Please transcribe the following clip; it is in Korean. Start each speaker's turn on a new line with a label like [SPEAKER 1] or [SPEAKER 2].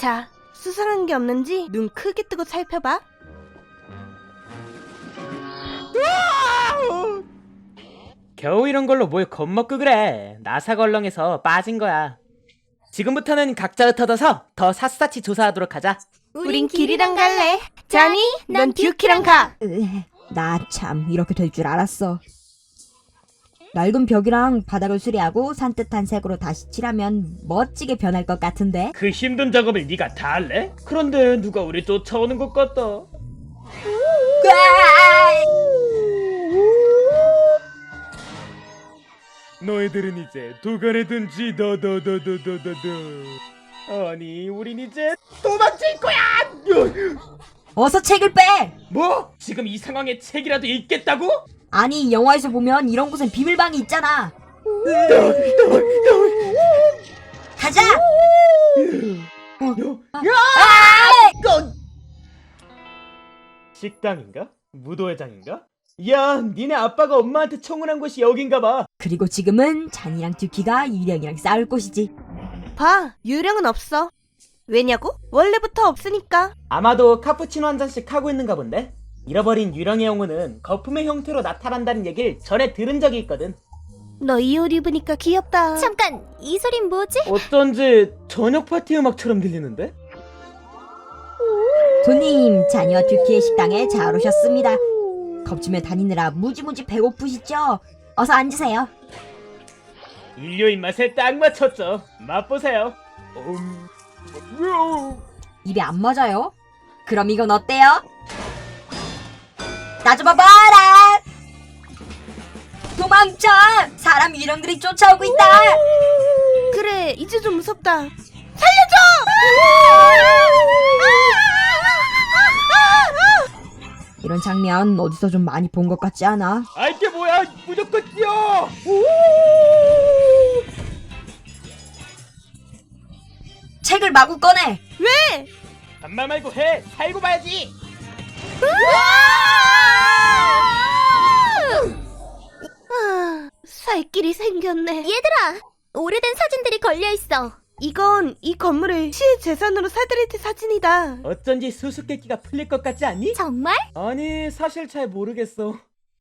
[SPEAKER 1] 자, 수상한 게 없는지 눈 크게 뜨고 살펴봐.
[SPEAKER 2] 겨우 이런 걸로 뭘 겁먹고 그래. 나사걸렁에서 빠진 거야. 지금부터는 각자 흩어져서 더 샅샅이 조사하도록 하자.
[SPEAKER 1] 우린 길이랑 갈래. 자니, 넌 듀키랑 가.
[SPEAKER 3] 나 참 이렇게 될 줄 알았어. 낡은 벽이랑 바닥을 수리하고 산뜻한 색으로 다시 칠하면 멋지게 변할 것 같은데?
[SPEAKER 2] 그 힘든 작업을 네가 다 할래? 그런데 누가 우리 쫓아오는 것 같다. 너희들은 이제 도간에 든지 아니 우린 이제 도망칠 거야.
[SPEAKER 3] 어서 책을 빼!
[SPEAKER 2] 뭐? 지금 이 상황에 책이라도 읽겠다고?
[SPEAKER 3] 아니 영화에서 보면 이런 곳엔 비밀방이 있잖아. 가자!
[SPEAKER 2] 식당인가? 무도회장인가? 야, 니네 아빠가 엄마한테 청혼한 곳이 여긴가 봐.
[SPEAKER 3] 그리고 지금은 잔이랑 듀키가 유령이랑 싸울 곳이지.
[SPEAKER 1] 봐, 유령은 없어. 왜냐고? 원래부터 없으니까.
[SPEAKER 2] 아마도 카푸치노 한 잔씩 하고 있는가 본데? 잃어버린 유령의 영혼은 거품의 형태로 나타난다는 얘기를 전에 들은 적이 있거든.
[SPEAKER 1] 너 이 옷 입으니까 귀엽다.
[SPEAKER 4] 잠깐, 이 소린 뭐지?
[SPEAKER 2] 어쩐지 저녁 파티 음악처럼 들리는데?
[SPEAKER 3] 손님, 잔이와 듀키의 식당에 잘 오셨습니다. 겁주며 다니느라 무지무지 배고프시죠? 어서 앉으세요.
[SPEAKER 2] 인류 입맛에 딱 맞췄죠. 맛보세요.
[SPEAKER 3] 입에 안 맞아요? 그럼 이건 어때요? 나 좀 봐봐라! 도망쳐! 사람 유령들이 쫓아오고 있다!
[SPEAKER 1] 그래, 이제 좀 무섭다.
[SPEAKER 3] 이런 장면 어디서 좀 많이 본 것 같지 않아?
[SPEAKER 2] 아 이게 뭐야? 무조건 뛰어!
[SPEAKER 3] 책을 마구 꺼내!
[SPEAKER 1] 왜?
[SPEAKER 2] 반말 말고 해! 살고 봐야지!
[SPEAKER 1] 살 길이 생겼네.
[SPEAKER 4] 얘들아! 오래된 사진들이 걸려있어.
[SPEAKER 1] 이건 이 건물을 시의 재산으로 사들일 때 사진이다.
[SPEAKER 2] 어쩐지 수수께끼가 풀릴 것 같지 않니?
[SPEAKER 4] 정말?
[SPEAKER 2] 아니 사실 잘 모르겠어.